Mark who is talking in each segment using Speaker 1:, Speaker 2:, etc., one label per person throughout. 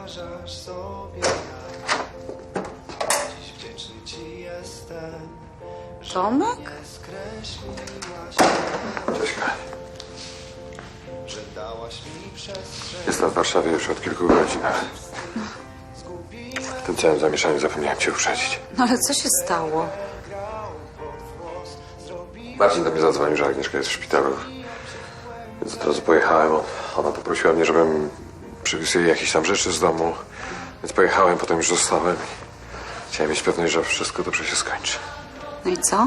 Speaker 1: wyobrażasz sobie, jak dziś wdzięczny ci jestem, że
Speaker 2: Tomek?
Speaker 1: mnie skreśliłaś,
Speaker 3: Cześć, Kaś.
Speaker 1: że dałaś mi przestrzeń.
Speaker 3: Jestem w Warszawie już od kilku godzin. W tym całym zamieszaniu zapomniałem cię uprzedzić.
Speaker 2: No ale co się stało?
Speaker 3: Marcin do mnie zadzwonił, że Agnieszka jest w szpitalu. Więc od razu pojechałem. Ona poprosiła mnie, żebym przywiózł jej jakieś tam rzeczy z domu. Więc pojechałem, potem już zostałem. Chciałem mieć pewność, że wszystko dobrze się skończy.
Speaker 2: No i co?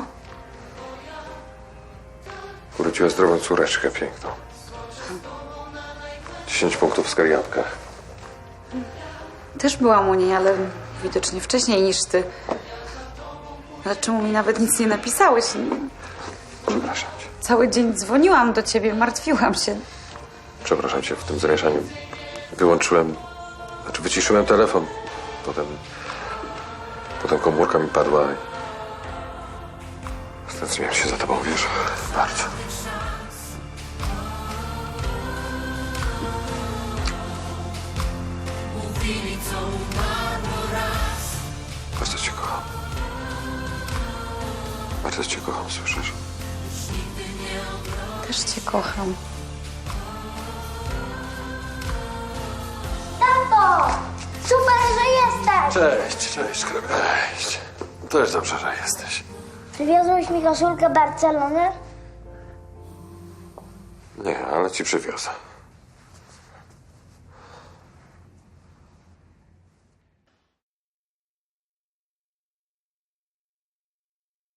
Speaker 3: Urodziła zdrową córeczkę piękną. 10 punktów w skariatkach.
Speaker 2: Też byłam u niej, ale widocznie wcześniej niż ty. Ale czemu mi nawet nic nie napisałeś?
Speaker 3: Przepraszam cię.
Speaker 2: Cały dzień dzwoniłam do ciebie, martwiłam się.
Speaker 3: Przepraszam cię, w tym zamieszaniu wyłączyłem, wyciszyłem telefon. Potem komórka mi padła i stęskniłem się za tobą, wiesz, bardzo. Bardzo cię kocham. Bardzo cię kocham, słyszysz?
Speaker 2: Też cię kocham.
Speaker 4: Tato! Super, że jesteś!
Speaker 3: Cześć, cześć. Też dobrze, że jesteś.
Speaker 4: Przywiozłeś mi koszulkę Barcelony?
Speaker 3: Nie, ale ci przywiozę.